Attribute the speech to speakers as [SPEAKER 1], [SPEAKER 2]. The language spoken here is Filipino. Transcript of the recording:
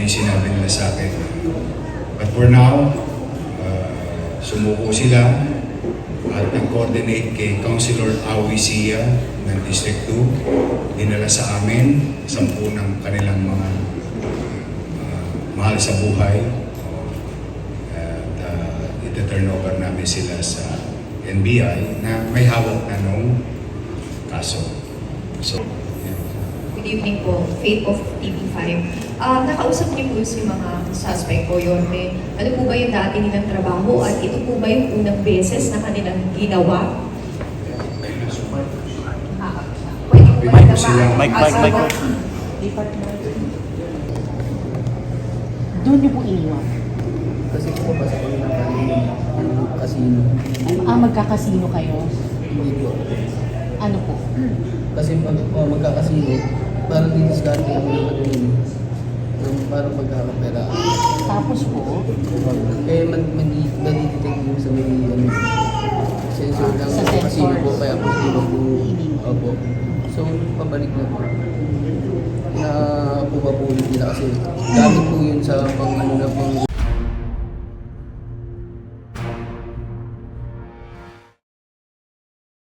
[SPEAKER 1] yung sinabi nila sa akin. But for now, sumuko sila at nag-coordinate kay Councilor Awi Sia ng District 2. Dinala sa amin 10 ng kanilang mga mahal sa buhay. At ito-turn over namin sila sa NBI na may hawak na nung kaso. So,
[SPEAKER 2] Good evening po, Faith of TV5. Nakausap niyo po si mga suspect po yun. Ano po ba yung dati nilang trabaho at ito po ba yung unang beses na kanilang ginawa? Pwede po ba
[SPEAKER 1] sila.
[SPEAKER 3] Mike.
[SPEAKER 4] Doon niyo po iniwan.
[SPEAKER 5] Kasi po pa sa ng casino.
[SPEAKER 4] Magkakasino kayo?
[SPEAKER 5] Hindi po.
[SPEAKER 4] Ano po?
[SPEAKER 5] Kasi pag magkakasino, parang didiskarte ako ng ano yun. Parang magkakapera.
[SPEAKER 4] Tapos po?
[SPEAKER 5] Kaya nadidetect mo sa may ano, sensor ng
[SPEAKER 4] Sa
[SPEAKER 5] casino
[SPEAKER 4] sensors.
[SPEAKER 5] po, kaya po hindi mo po.
[SPEAKER 4] Hindi mo.
[SPEAKER 5] Opo. So, pabalik na po. Na po nila kasi gamit po yun sa pang ano na pang